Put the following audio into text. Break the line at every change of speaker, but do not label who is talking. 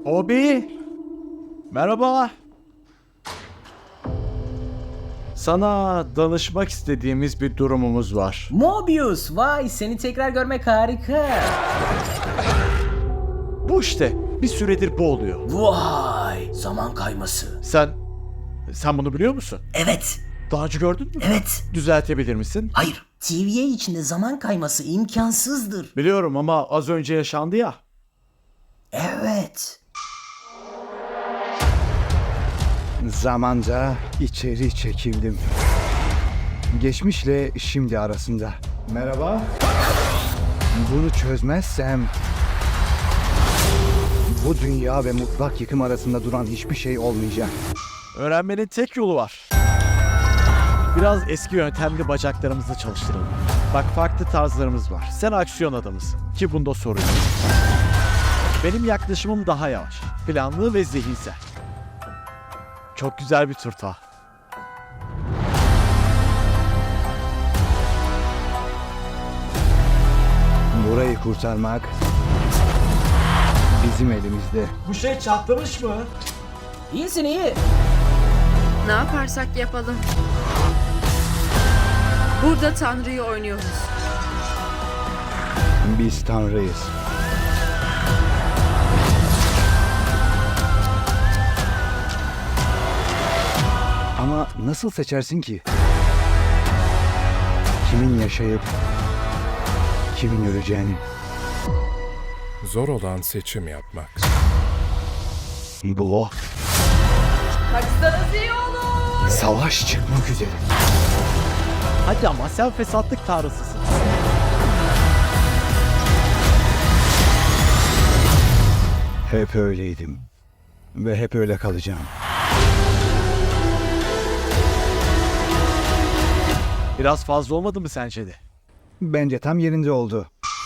Obi, merhaba. Sana danışmak istediğimiz bir durumumuz var.
Mobius, vay seni tekrar görmek harika.
Bu işte bir süredir bu oluyor.
Vay, zaman kayması.
Sen bunu biliyor musun?
Evet,
Daha önce gördün mü?
evet.
Düzeltebilir misin?
Hayır, TVA içinde zaman kayması imkansızdır.
Biliyorum ama az önce yaşandı ya.
Evet.
Zamanca içeri çekildim. Geçmişle şimdi arasında. Merhaba. Bunu çözmezsem bu dünya ve mutlak yıkım arasında duran hiçbir şey olmayacak.
Öğrenmenin tek yolu var. Biraz eski yöntemli bacaklarımızı çalıştıralım. Bak farklı tarzlarımız var. Sen aksiyon adamısın ki bunda sorun yok. Benim yaklaşımım daha yavaş, planlı ve zihinsel. Çok güzel bir turta.
Burayı kurtarmak bizim elimizde.
Bu şey çatlamış mı?
İyisin iyi.
Ne yaparsak yapalım. Burada Tanrı'yı oynuyoruz.
Biz Tanrıyız. Ama nasıl seçersin ki? Kimin yaşayıp kimin öleceğini.
Zor olan seçim yapmak.
Bu o.
Kaçsanız iyi olur.
Savaş çıkmak üzere.
Hadi ama sen fesatlık tanrısısın.
Hep öyleydim. Ve hep öyle kalacağım.
Biraz fazla olmadı mı sence de?
Bence tam yerinde oldu.